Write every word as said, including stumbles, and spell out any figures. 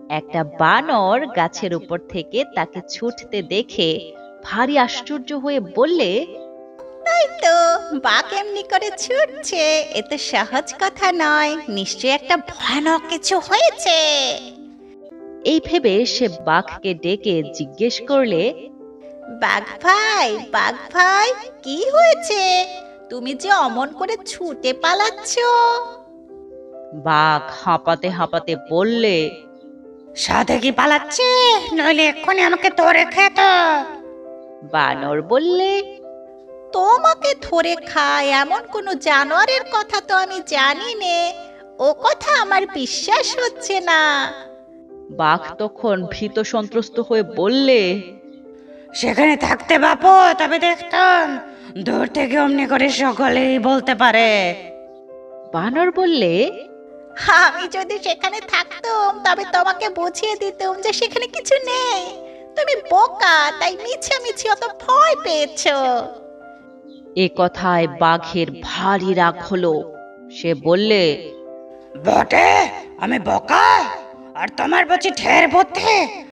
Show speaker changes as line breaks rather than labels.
একটা বানর গাছের উপর থেকে তাকে ছুটতে দেখে ভারী আশ্চর্য হয়ে বললে,
তাই তো, বাঘ এমনি করে ছুটছে, এ তো সহজ কথা নয়, নিশ্চয়ই একটা ভয়ানক কিছু হয়েছে।
এই ভেবে সে বাঘকে ডেকে জিজ্ঞেস করলে,
বাঘ ভাই, বাঘ ভাই, কি হয়েছে? তুমি যে অমন করে ছুটে পালাচ্ছ।
বাঘ হাঁপাতে হাঁপাতে বললে,
সাধে কি পালাচ্ছে, নইলে এক্ষুনি আমাকে ধরে খেত।
বানর বললে,
তোমাকে ধরে খায় এমন কোনো জানোয়ারের কথা তো আমি জানি নে, ও কথা আমার বিশ্বাস হচ্ছে না।
বাঘ তখন ভীত সন্ত্রস্ত হয়ে বললে,
সেখানে থাকতে বাপু তবে দেখতাম, দূর থেকে অমনি করে সকলেই বলতে পারে।
বানর বললে,
আমি যদি সেখানে থাকতাম তবে তোমাকে বুঝিয়ে দিতাম যে সেখানে কিছু নেই। তুমি বোকা, তাই মিছামিছি অত ভয় পেয়েছো।
এ কথায় বাঘের ভারী রাগ হলো। সে বললে,
বটে, আমি বোকা আর তোমার বলছি ঢের বুদ্ধি।